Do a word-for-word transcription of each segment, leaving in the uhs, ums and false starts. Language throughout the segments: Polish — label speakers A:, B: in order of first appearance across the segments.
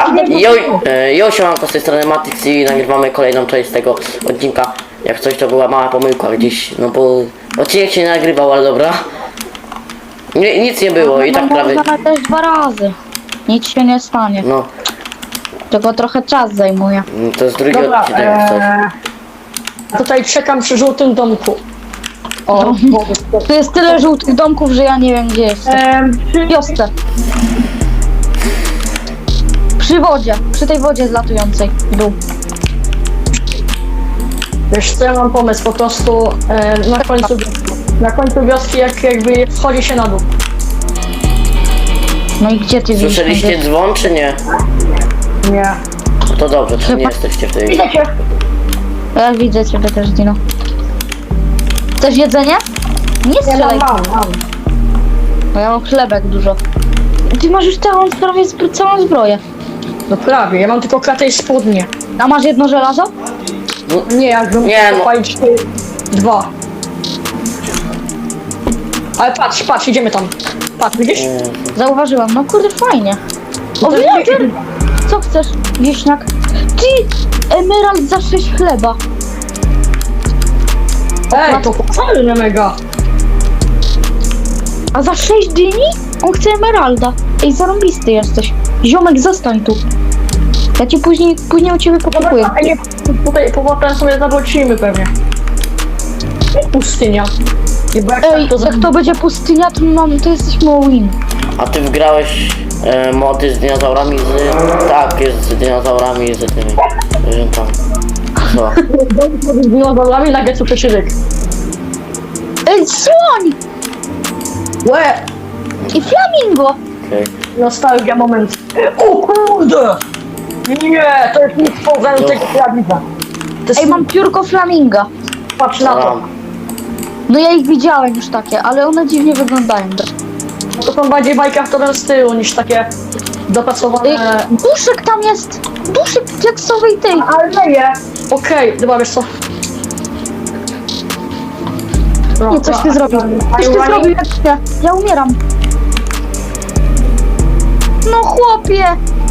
A: Jo, e, jo, siemanko, z tej strony Matrix i nagrywamy kolejną część tego odcinka. Jak coś, to była mała pomyłka gdzieś, no bo odcinek się nie nagrywał, ale dobra. Nie, nic nie było i tak prawie...
B: Można też dwa razy. Nic się nie stanie.
A: No,
B: Tylko trochę czas zajmuje.
A: to jest drugi
C: Dobra,
A: odcinek jak coś.
C: eee, tutaj czekam przy żółtym domku. O,
B: No. Tu jest tyle żółtych domków, że ja nie wiem gdzie jestem.
C: eee,
B: W wiosce. Przy wodzie. Przy tej wodzie zlatującej. W dół.
C: wiesz co, ja mam pomysł, po prostu eee, na końcu na końcu wioski, jak jakby wchodzi się na dół.
B: No i gdzie ty widzisz?
A: Słyszeliście dzwon, czy nie?
C: Nie.
A: No to dobrze, to nie jesteście w tej...
C: Widzę cię.
B: Ja widzę ciebie też, Dino. Chcesz jedzenie? Nie
C: Ja
B: strzelaj,
C: mam, mam, mam.
B: bo ja mam chlebek dużo. Ty masz już całą, prawie zbro- całą zbroję.
C: No prawie, ja mam tylko kratę i spodnie.
B: A masz jedno żelazo?
C: Nie, jakbym
A: Nie, no.
C: zapalić ty dwa. Ale patrz, patrz, idziemy tam. Patrz, widzisz?
B: Zauważyłam, no kurde fajnie. O,
C: To
B: villager!
C: nie-
B: Co chcesz, wieśniak? Ty! Emerald za sześć chleba.
C: Ej, to fajne mega.
B: A za sześć dyni? On chce emeralda. Ej, zarąbisty jesteś. Ziomek, zostań tu. Ja ci później, później u ciebie pokupuję.
C: Dobra, a nie, tutaj powrotem sobie zawrócimy pewnie. Pustynia. I bo jak
B: Ej,
C: tak to
B: jak to będzie pustynia, to, mam, to jesteśmy all-in.
A: A ty wgrałeś e, mody z dinozaurami z... Tak, jest z dinozaurami i z tymi... zwierzętami. Co?
C: z dinozaurami na gecu przeszyryk.
B: Ej, słoń!
C: Łe!
B: I flamingo!
A: Okej.
C: Nostalgia moment. O kurde! Nie, to jest nic poza
A: To-
C: tego prawidła. To jest,
B: Ej, mam piórko flaminga.
C: patrz na to.
A: Tam.
B: No ja ich widziałem już takie, ale one dziwnie wyglądają.
C: To są bardziej bajkaftowe z tyłu niż takie
B: Ej,
C: dopracowane.
B: duszek tam jest! Duszek w diaksowej tej!
C: Ale nie! Okej, dobra, wiesz co?
B: Nie, coś ty zrobił. Coś ty zrobił, jak ja. Ja umieram. No chłopie!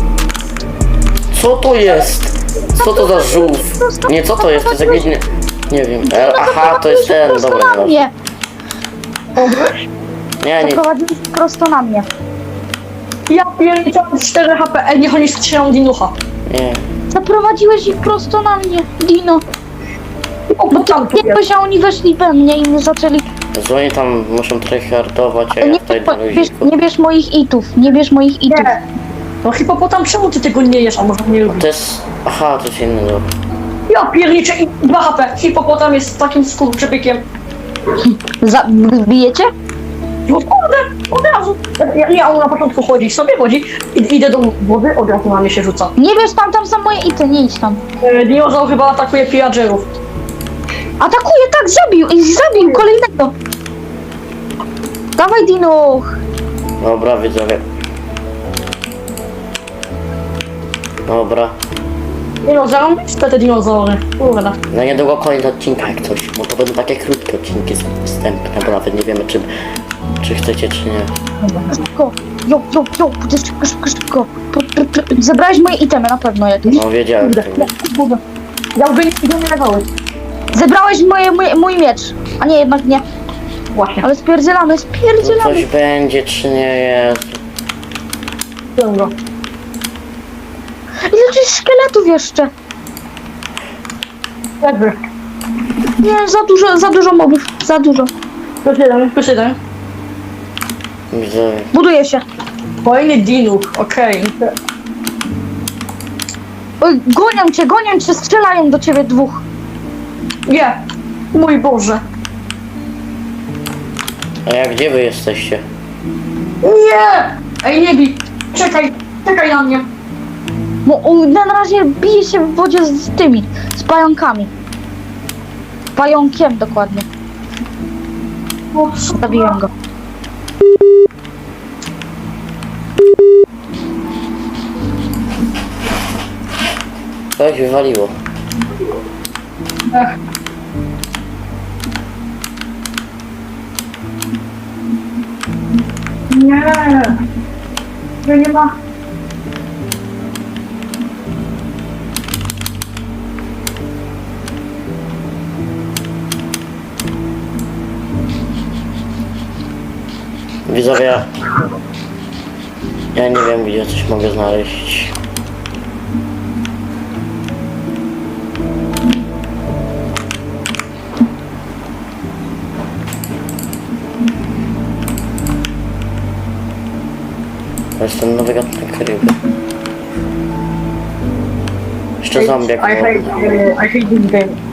A: Co to jest? Co to za żółw? Nie, co to jest? To jest jakiś... Nie, nie wiem. E, aha, to jest ten,
B: Prosto
A: dobra,
B: na
A: dobra.
B: mnie!
A: Nie, nie.
B: Zaprowadziłeś prosto na mnie.
C: Ja pierniczę cztery H P, ej, niech oni strzelą dinucha.
A: Nie.
B: Zaprowadziłeś ich prosto na mnie, Dino.
C: O, bo tam tu
B: Nie,
C: jest.
B: a oni weszli we mnie i mnie zaczęli...
A: Że oni tam muszą tryhardować, a ja
B: Nie,
A: tutaj na
B: bierz,
A: luziku.
B: nie bierz moich itów, nie bierz moich itów.
C: Nie. No hipopotam, czemu ty tego nie jesz, a może nie lubisz?
A: To jest... Aha, to jest inny, dobra.
C: Ja pierniczę i dwa H P. Hipopotam jest takim skurczybykiem.
B: Za, bijecie?
C: No kurde, od razu. Ja, ja on na początku chodzi, sobie chodzi, i, idę do wody, od razu na mnie się rzuca.
B: Nie wiesz, tam, tam są moje ity, nie idź tam.
C: E, dinozaur chyba atakuje pillagerów.
B: Atakuje, tak, zabił i zabił kolejnego. Dawaj, Dino.
A: Dobra, widzowie. Dobra.
C: Dinozaur? Co te dinozaury? Kurde.
A: Na niedługo kolejny odcinek jak coś, bo to będą takie krótkie odcinki wstępne, bo nawet nie wiemy czy, czy chcecie czy nie.
B: Szybko. Jo, jo, jo, szybko, szybko, szybko. Zebrałeś moje itemy na pewno jakieś.
A: No wiedziałem.
C: Kurde. Kurde. Ja już nie umierałem.
B: Zebrałeś moje, mój, mój miecz. A nie, jednak nie.
C: Właśnie.
B: Ale spierdzielamy,
A: No
B: spierdzielamy.
A: coś będzie czy nie jest.
C: Wziąłem go.
B: Ile tu jest szkieletów jeszcze?
C: Jakby.
B: Nie, za dużo, za dużo mobów. Za dużo.
C: Plus jeden, plus jeden.
A: Widzowie.
B: Buduje się.
C: Kolejny dinuch, okej.
B: Oj, gonią cię, gonią cię, strzelają do ciebie dwóch.
C: Nie. Mój Boże.
A: A jak gdzie wy jesteście?
C: Nie! Ej, nie bij. Czekaj, czekaj na mnie.
B: Bo on na razie bije się w wodzie z, z tymi, z pająkami. Pająkiem dokładnie.
C: O, co?
B: Zabiłem go.
A: Coś wywaliło.
C: Ech. Nie. To nie ma.
A: Widzowie, ja nie wiem, gdzie coś mogę znaleźć. To jest ten nowy gatunek ryby. Jeszcze zombiak.
C: I hate, uh, I hate this game.